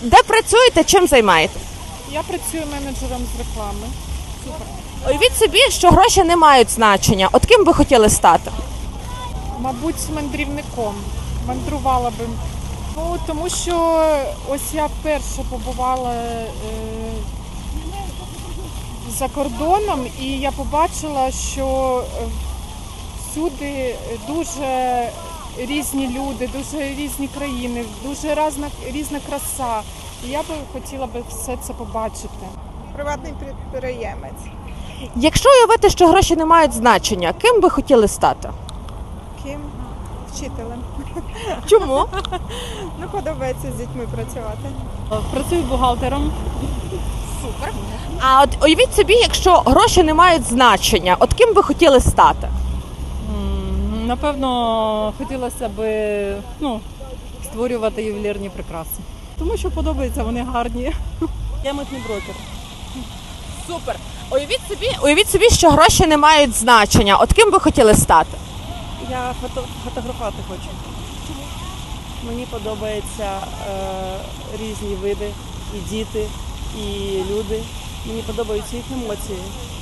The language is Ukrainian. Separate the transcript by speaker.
Speaker 1: Де працюєте, чим займаєтесь?
Speaker 2: Я працюю менеджером з реклами. Супер.
Speaker 1: Уявіть собі, що гроші не мають значення. От ким ви хотіли стати?
Speaker 2: Мабуть, мандрівником. Мандрувала би. Ну, тому що ось я вперше побувала за кордоном, і я побачила, що всюди дуже різні люди, дуже різні країни, дуже різна краса. І я би хотіла би все це побачити.
Speaker 3: Приватний підприємець.
Speaker 1: Якщо уявити, що гроші не мають значення, ким ви хотіли стати?
Speaker 3: Ким? Вчителем.
Speaker 1: Чому?
Speaker 3: Ну, подобається з дітьми працювати.
Speaker 2: Працюю бухгалтером.
Speaker 1: А от уявіть собі, якщо гроші не мають значення, от ким ви хотіли стати?
Speaker 4: Напевно, хотілося б створювати ювелірні прикраси. Тому що подобається, вони гарні. Я митний брокер.
Speaker 1: Супер. Уявіть собі, що гроші не мають значення. От ким ви хотіли стати?
Speaker 4: Я фотографувати хочу. Мені подобаються різні види, і діти, і люди. Мені подобаються їх емоції.